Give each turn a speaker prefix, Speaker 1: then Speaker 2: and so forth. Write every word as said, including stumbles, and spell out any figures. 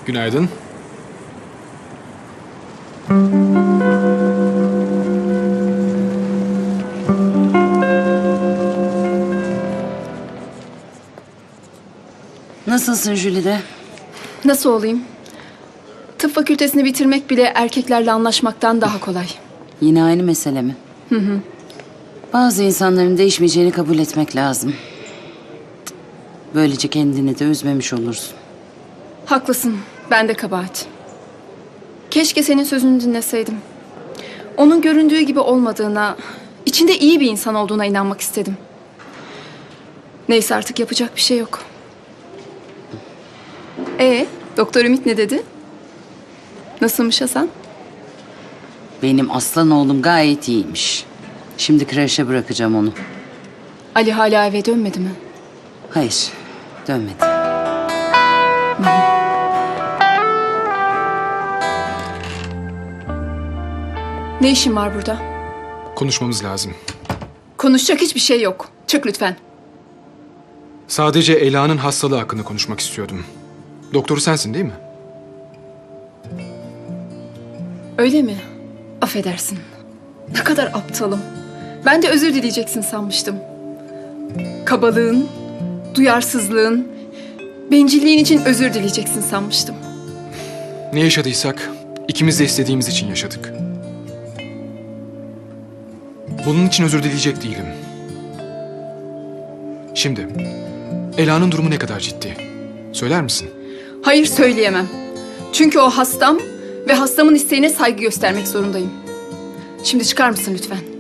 Speaker 1: Günaydın.
Speaker 2: Nasılsın Jülide?
Speaker 3: Nasıl olayım? Tıp fakültesini bitirmek bile erkeklerle anlaşmaktan daha kolay.
Speaker 2: Yine aynı mesele mi? Hı hı. Bazı insanların değişmeyeceğini kabul etmek lazım. Böylece kendini de üzmemiş olursun.
Speaker 3: Haklısın. Ben de kabahat. Keşke senin sözünü dinleseydim. Onun göründüğü gibi olmadığına, içinde iyi bir insan olduğuna inanmak istedim. Neyse artık yapacak bir şey yok. Ee, Doktor Ümit ne dedi? Nasılmış Hasan?
Speaker 2: Benim aslan oğlum gayet iyiymiş. Şimdi kreşe bırakacağım onu.
Speaker 3: Ali hala eve dönmedi mi?
Speaker 2: Hayır, dönmedi.
Speaker 3: Ne işin var burada?
Speaker 1: Konuşmamız lazım.
Speaker 3: Konuşacak hiçbir şey yok. Çık lütfen.
Speaker 1: Sadece Ela'nın hastalığı hakkında konuşmak istiyordum. Doktoru sensin değil mi?
Speaker 3: Öyle mi? Affedersin. Ne kadar aptalım. Ben de özür dileyeceksin sanmıştım. Kabalığın, duyarsızlığın, bencilliğin için özür dileyeceksin sanmıştım.
Speaker 1: Ne yaşadıysak ikimiz de istediğimiz için yaşadık. Bunun için özür dileyecek değilim. Şimdi, Ela'nın durumu ne kadar ciddi? Söyler misin?
Speaker 3: Hayır, söyleyemem. Çünkü o hastam ve hastamın isteğine saygı göstermek zorundayım. Şimdi çıkar mısın lütfen?